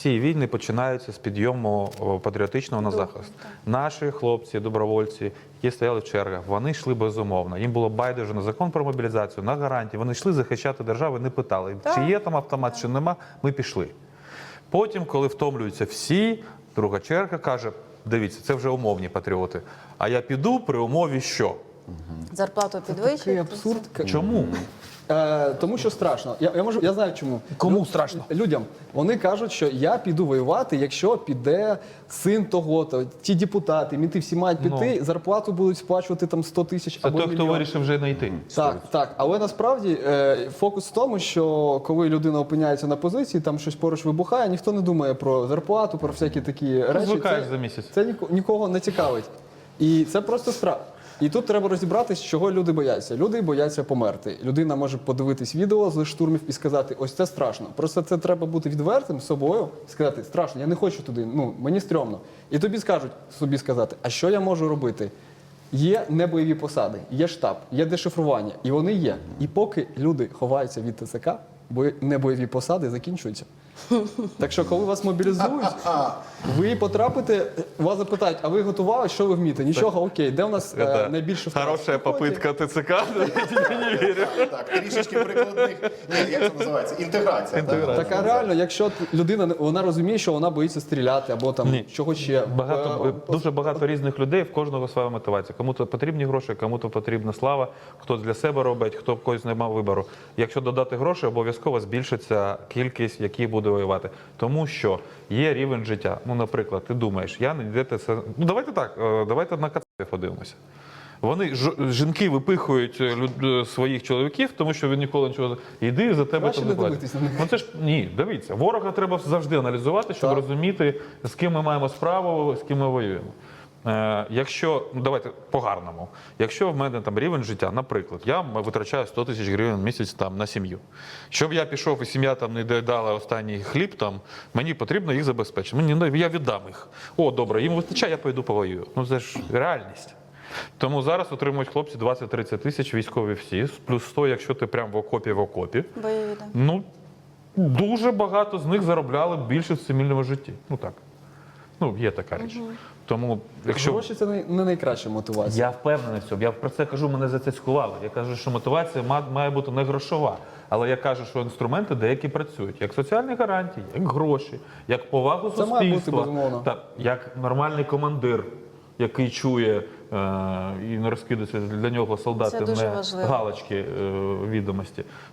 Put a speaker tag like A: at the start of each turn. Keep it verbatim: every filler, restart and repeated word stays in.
A: всі війни починаються з підйому о, патріотичного на захист. Наші хлопці, добровольці, які стояли в чергах, вони йшли безумовно. Їм було байдуже на закон про мобілізацію, на гарантії. Вони йшли захищати державу, не питали, чи є там автомат, чи нема. Ми пішли. Потім, коли втомлюються всі, друга черга каже, дивіться, це вже умовні патріоти. А я піду при умові що?
B: Зарплату
C: Такий
B: підвищують.
C: абсурд.
A: Чому?
C: Е, тому що страшно. Я, я, можу, я знаю чому.
A: Кому
C: Лю-
A: страшно?
C: Людям. Вони кажуть, що я піду воювати, якщо піде син того-то. Ті депутати, мінти всі мають піти, зарплату будуть сплачувати там сто тисяч
A: Це
C: або
A: той, хто
C: мільйон.
A: вирішив вже не йти.
C: Так, так. Але насправді е, фокус в тому, що коли людина опиняється на позиції, там щось поруч вибухає, ніхто не думає про зарплату, про всякі такі речі.
A: Звикаєш
C: Це-
A: за місяць.
C: Це ніко- нікого не цікавить. І це просто страх. І тут треба розібратись, чого люди бояться. Люди бояться померти. Людина може подивитись відео з штурмів і сказати, ось це страшно. Просто це треба бути відвертим з собою, сказати, страшно, я не хочу туди, ну, мені стрьомно. І тобі скажуть, собі сказати, а що я можу робити? Є небойові посади, є штаб, є дешифрування, і вони є. І поки люди ховаються від ТЦК, бо небойові посади закінчуються. Так що, коли вас мобілізують, ви потрапите, вас запитають, а ви готували, що ви вмієте? Нічого, окей, де у нас е, найбільше втрат?
A: Хороша попитка ТЦК, я не вірю.
D: Так, трішечки прикладних. Ні, як це називається? Інтеграція. так?
C: Так, а реально, якщо т- людина, вона розуміє, що вона боїться стріляти, або там
A: Ні.
C: чого ще.
A: Багато,
C: Е,
A: дуже багато різних людей, в кожного своя мотивація. Кому-то потрібні гроші, кому-то потрібна слава, хтось для себе робить, хто в когось не мав вибору. Якщо додати гроші, обов'язково збільшиться кількість, які буде воювати. Тому що є рівень життя. Ну, наприклад, ти думаєш, я не де це. Ну, давайте так, е, давайте на кацапів подивимося. Вони ж, жінки випихують е, люд- своїх чоловіків, тому що він ніколи нічого. Йди за тебе
C: Краще
A: там
C: не
A: не платять.
C: дивитись на них.
A: Ну це ж ні, дивіться, ворога треба завжди аналізувати, щоб
C: Так.
A: розуміти, з ким ми маємо справу, з ким ми воюємо. Е, якщо, ну давайте по-гарному, якщо в мене там рівень життя, наприклад, я витрачаю сто тисяч гривень в місяць там на сім'ю. Щоб я пішов і сім'я там не доїдала останній хліб, там мені потрібно їх забезпечити. Мені ну, я віддам їх. О, добре, їм вистачає, я пойду повоюю. Ну це ж реальність. Тому зараз отримують хлопці двадцять-тридцять тисяч, військові всі, плюс сто, якщо ти прям в окопі в окопі.
B: Бойові, так.
A: Ну, дуже багато з них заробляли більше в цивільному житті. Ну так. Ну, є така річ. Тому, якщо...
C: Гроші це не, не найкраща мотивація.
A: Я впевнений в цьому. Я про це кажу, мене за це цькували. Я кажу, що мотивація ма- має бути не грошова. Але я кажу, що інструменти деякі працюють. Як соціальні гарантії, як гроші, як повагу
C: Це має бути,
A: суспільства.
C: безумовно.
A: Та, як нормальний командир, який чує е, і не розкидується для нього солдати
B: Це дуже
A: не
B: важливо.
A: галочки е, відомості.